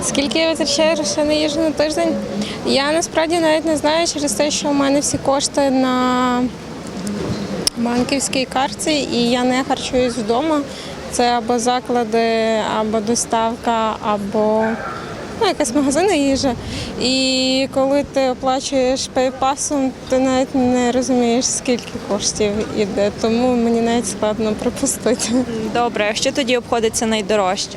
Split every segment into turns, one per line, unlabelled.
Скільки я витрачаю грошей на їжу на тиждень? Я насправді навіть не знаю через те, що у мене всі кошти на банківській картці і я не харчуюсь вдома. Це або заклади, або доставка, або якась магазинна їжа. І коли ти оплачуєш пейпасом, ти навіть не розумієш, скільки коштів іде, тому мені навіть складно припустити.
Добре, а що тоді обходиться найдорожче?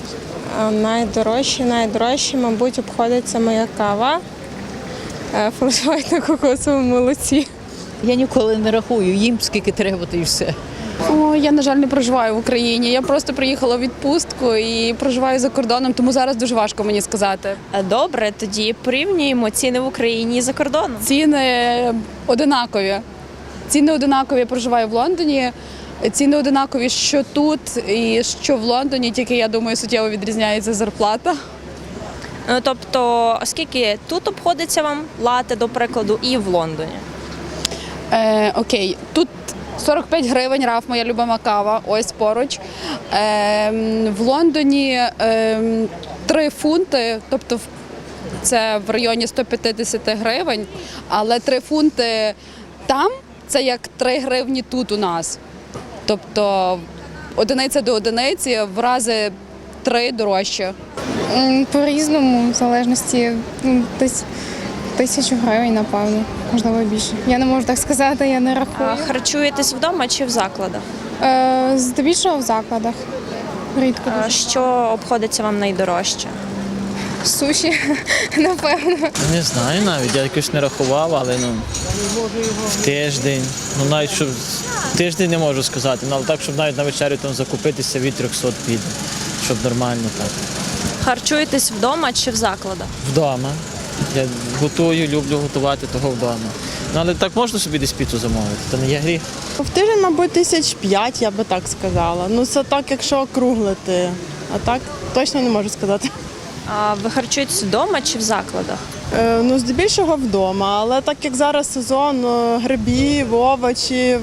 Найдорожче, мабуть, обходиться моя кава, флеш-вайт на кокосовому молоці.
Я ніколи не рахую, їм скільки треба, то і все.
Я, на жаль, не проживаю в Україні. Я просто приїхала у відпустку і проживаю за кордоном, тому зараз дуже важко мені сказати.
Добре, тоді порівнюємо ціни в Україні і за кордоном.
Ціни одинакові. Ціни одинакові, я проживаю в Лондоні. Ціни одинакові, що тут і що в Лондоні, тільки, я думаю, суттєво відрізняється зарплата.
Тобто, скільки тут обходиться вам лате, до прикладу, і в Лондоні?
Окей, тут 45 гривень, Раф, моя любима кава, ось поруч. В Лондоні 3 фунти, тобто це в районі 150 гривень, але 3 фунти там – це як 3 гривні тут у нас. Тобто одиниця до одиниці, в рази 3 дорожче.
По-різному, в залежності, десь 1000 гривень, напевно, можливо більше. Я не можу так сказати, я не рахую.
Харчуєтесь вдома чи в закладах?
Здебільшого в закладах. Рідко дуже.
Що обходиться вам найдорожче?
Суші, напевно.
Не знаю навіть, я якось не рахував, але в тиждень. Навіть щоб тиждень не можу сказати, але так, щоб навіть на вечерю там закупитися від 300 піде, щоб нормально так.
Харчуєтесь вдома чи в закладах?
Вдома. Я готую, люблю готувати того вдома. Але так можна собі десь піцу замовити, то не є гріх.
В тиждень, мабуть, 5,000, я би так сказала. Це так, якщо округлити, а так точно не можу сказати.
А ви харчуєтесь вдома чи в закладах?
Здебільшого вдома, але так як зараз сезон грибів, овочів,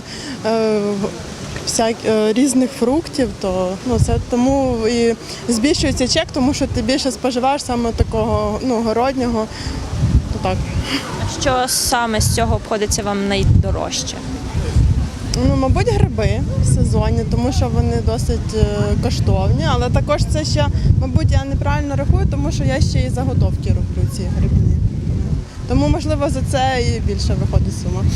різних фруктів, то це тому і збільшується чек, тому що ти більше споживаєш саме такого городнього. То так.
Що саме з цього обходиться вам найдорожче?
Мабуть, гриби сезонні, тому що вони досить коштовні, але також це ще, мабуть, я неправильно рахую, тому що я ще і заготовки роблю ці грибні. Тому, можливо, за це і більше виходить сума.